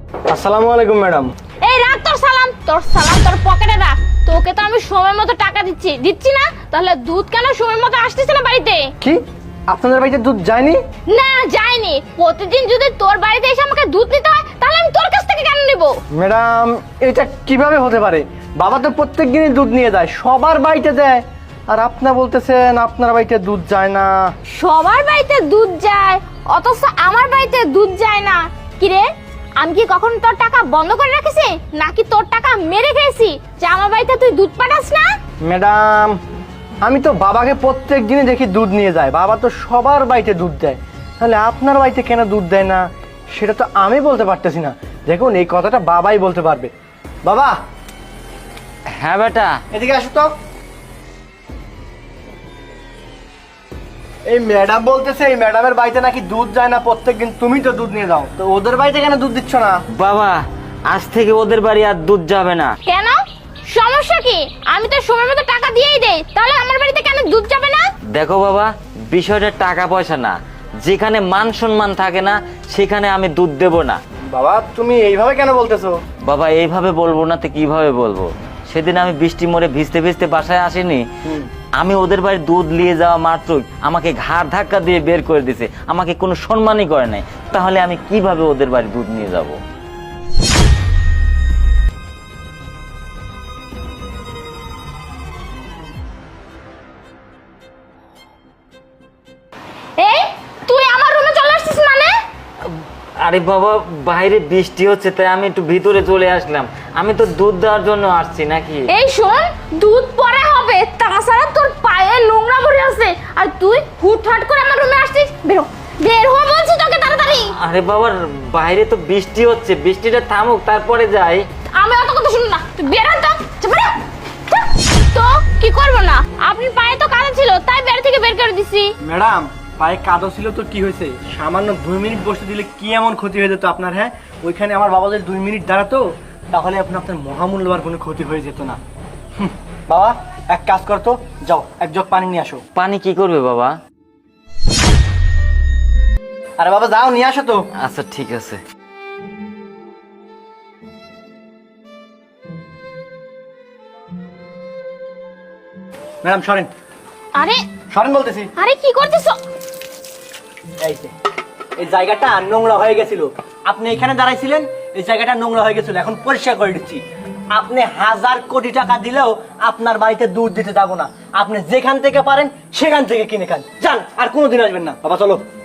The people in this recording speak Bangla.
আসসালামু আলাইকুম ম্যাডাম। এই রাখ তোর সালাম তোর পকেটে রাখ। তোকে তো আমি সময় মতো টাকা দিচ্ছি না, তাহলে দুধ কেন সময় মতো আসতেছে না বাড়িতে? কি আপনাদের বাড়িতে দুধ যায়নি? না যায়নি। প্রতিদিন যদি তোর বাড়িতে এসে আমাকে দুধ নিতে হয় তাহলে আমি তোর কাছ থেকে কেন নেব? ম্যাডাম এটা কিভাবে হতে পারে? বাবা তো প্রত্যেকদিনই দুধ নিয়ে যায়, সবার বাড়িতে দেয়, আর আপনি বলতেছেন আপনার বাড়িতে দুধ যায় না। সবার বাড়িতে দুধ যায় অথচ আমার বাড়িতে দুধ যায় না। কি রে, আমি কি কখন তোর টাকা বন্ধ করে রেখেছি নাকি তোর টাকা মেরে খেয়েছি যে আমার বাড়িতে তুই দুধ পাঠাস না? ম্যাডাম আমি তো বাবাকে প্রত্যেক দিনই দেখি দুধ নিয়ে যায়, বাবা তো সবার বাড়িতে দুধ দেয়, তাহলে আপনার বাড়িতে কেন দুধ দেয় না সেটা তো আমি বলতে পারতেছি না। দেখুন এই কথাটা বাবাই বলতে পারবে। বাবা। হ্যাঁ বেটা। এদিকে আসো তো। এই ম্যাডাম বলতেছে এই ম্যাডামের বাড়িতে নাকি দুধ যায় না প্রত্যেকদিন, তুমি তো দুধ নিয়ে যাও, তো ওদের বাড়িতে কেন দুধ দিচ্ছ না? বাবা আজ থেকে ওদের বাড়ি আর দুধ যাবে না। কেন, সমস্যা কি? আমি তো সময় মতো টাকা দিয়েই দেই, তাহলে আমার বাড়িতে কেন দুধ যাবে না? দেখো বাবা, বিষয়টা টাকা পয়সা না, যেখানে মান সম্মান থাকে না সেখানে আমি দুধ দেব না। বাবা তুমি এইভাবে কেন বলতেছো? বাবা এইভাবে বলবো না তো কিভাবে বলবো? সেদিন আমি বৃষ্টি মোড়ে ভিজতে ভিজতে বাসায় আসিনি, আমি ওদের বাড়ি দুধ নিয়ে যাওয়া মাত্রই আমাকে ঘাড় ধাক্কা দিয়ে বের করে দিছে, আমাকে কোনো সম্মানই করে নাই, তাহলে আমি কিভাবে ওদের বাড়ি দুধ নিয়ে যাব? এই তুই আমার রুমে চলে আসছিস মানে? আরে বাবা বাইরে বৃষ্টি হচ্ছে তাই আমি একটু ভিতরে চলে আসলাম, আমি তো দুধ দেওয়ার জন্য আসছি নাকি। এই শোন, দুধ পরে হবে, তাছাড়া তোর পায়ে নোংরা ভরে আছে, আর তুই হুটহাট করে আমার রুমে আসছিস। বের হ বলছি তোকে তাড়াতাড়ি। আরে বাবা বাইরে তো বৃষ্টি হচ্ছে, বৃষ্টিটা থামুক তারপরে যাই। আমি অত কথা শুনি না, তুই বের হ তো। তো কি করবো না, আপনি পায়ে তো কাদা ছিল তাই বের থেকে বের করে দিছি। ম্যাডাম পায়ে কাদো ছিল তো কি হয়েছে, সামান্য 2 মিনিট বসে দিলে কি এমন ক্ষতি হয়ে যেত আপনার? হ্যাঁ ওইখানে আমার বাবা যদি 2 মিনিট দাঁড়াতো তাহলে আপনার মহামূল্যবান কোনো ক্ষতি হয়ে যেত না। বাবা এক কাজ করতো, যাও এক জগ পানি নিয়ে আসো। পানি কি করবে বাবা? আরে বাবা যাও নিয়ে আসো তো। আচ্ছা ঠিক আছে। ম্যাডাম সরেন, আরে সরেন বলতেছি। আরে কি করতেছো? এই যে এই জায়গাটা নোংরা হয়ে গেছিল, আপনি এখানে দাঁড়াইছিলেন, এই জায়গাটা নোংরা হয়ে গেছিল, এখন পরিষ্কার করে দিচ্ছি। আপনি 1000 কোটি টাকা দিলেও আপনার বাড়িতে দুধ দিতে যাবো না, আপনি যেখান থেকে পারেন সেখান থেকে কিনে খান, যান আর কোনোদিন আসবেন না। বাবা চলো।